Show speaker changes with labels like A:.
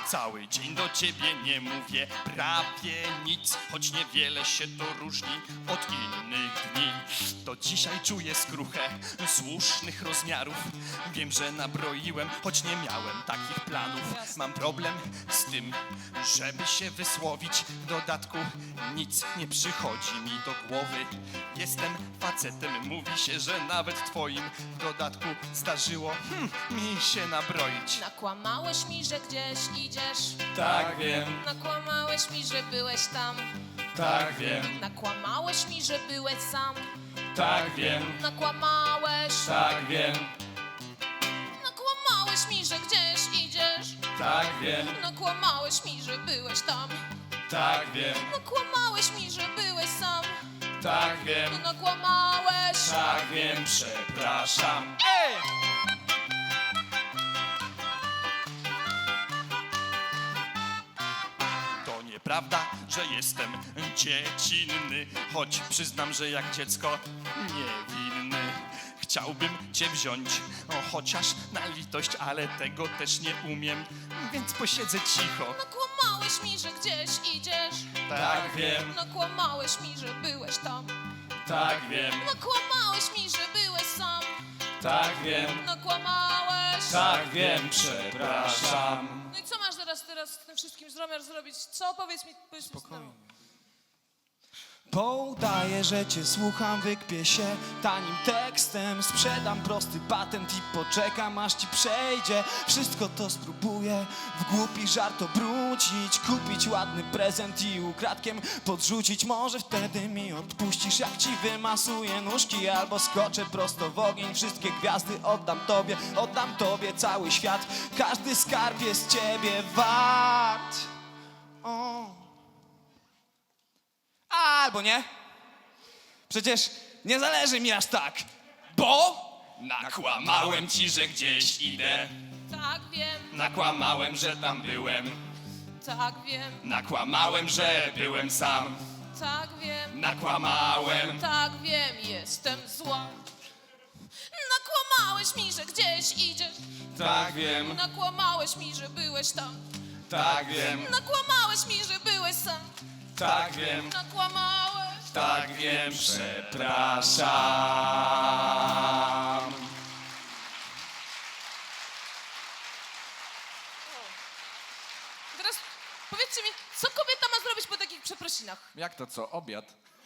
A: Cały dzień do ciebie nie mówię prawie nic, choć niewiele się to różni od innych dni. To dzisiaj czuję skruchę słusznych rozmiarów. Wiem, że nabroiłem, choć nie miałem takich planów. Mam problem z tym, żeby się wysłowić. W dodatku nic nie przychodzi mi do głowy. Jestem facetem, mówi się, że nawet twoim w dodatku zdarzyło mi się nabroić.
B: Nakłamałeś mi, że gdzieś idziesz.
A: Tak wiem,
B: Nakłamałeś mi, że byłeś tam.
A: tak wiem,
B: Nakłamałeś mi, że byłeś sam.
A: tak wiem,
B: Nakłamałeś.
A: tak wiem,
B: Nakłamałeś mi, że gdzieś idziesz.
A: tak wiem,
B: Nakłamałeś mi, że byłeś tam.
A: tak wiem,
B: Nakłamałeś mi, że byłeś sam.
A: tak wiem,
B: Nakłamałeś.
A: tak wiem, przepraszam. To nieprawda, że jestem dziecinny, choć przyznam, że jak dziecko niewinny. Chciałbym cię wziąć, chociaż na litość, ale tego też nie umiem, więc posiedzę cicho.
B: Nakłamałeś mi, że gdzieś idziesz.
A: Tak wiem,
B: Nakłamałeś mi, że byłeś tam.
A: tak wiem,
B: Nakłamałeś mi, że byłeś sam.
A: tak wiem,
B: Nakłamałeś.
A: tak wiem, przepraszam.
B: No i co masz teraz z tym wszystkim zamiar zrobić? Co? Powiedz mi spokojnie.
C: Poudaję, że cię słucham, wykpię się tanim tekstem. Sprzedam prosty patent i poczekam, aż ci przejdzie. Wszystko to spróbuję w głupi żart obrócić, kupić ładny prezent i ukradkiem podrzucić. Może wtedy mi odpuścisz, jak ci wymasuję nóżki, albo skoczę prosto w ogień. Wszystkie gwiazdy oddam tobie cały świat. Każdy skarb jest ciebie wart. O. Albo nie. Przecież nie zależy mi aż tak, bo
A: Nakłamałem ci, że gdzieś idę,
B: Tak, wiem,
A: nakłamałem, że tam byłem,
B: tak, wiem,
A: nakłamałem, że byłem sam,
B: tak, wiem,
A: nakłamałem.
B: tak, wiem, jestem zła. Nakłamałeś mi, że gdzieś idziesz.
A: Tak wiem,
B: Nakłamałeś mi, że byłeś tam.
A: tak wiem,
B: Nakłamałeś mi, że byłeś sam.
A: tak wiem,
B: Nakłamałeś.
A: tak wiem, przepraszam.
B: Teraz powiedzcie mi, co kobieta ma zrobić po takich przeprosinach?
D: Jak to co? Obiad?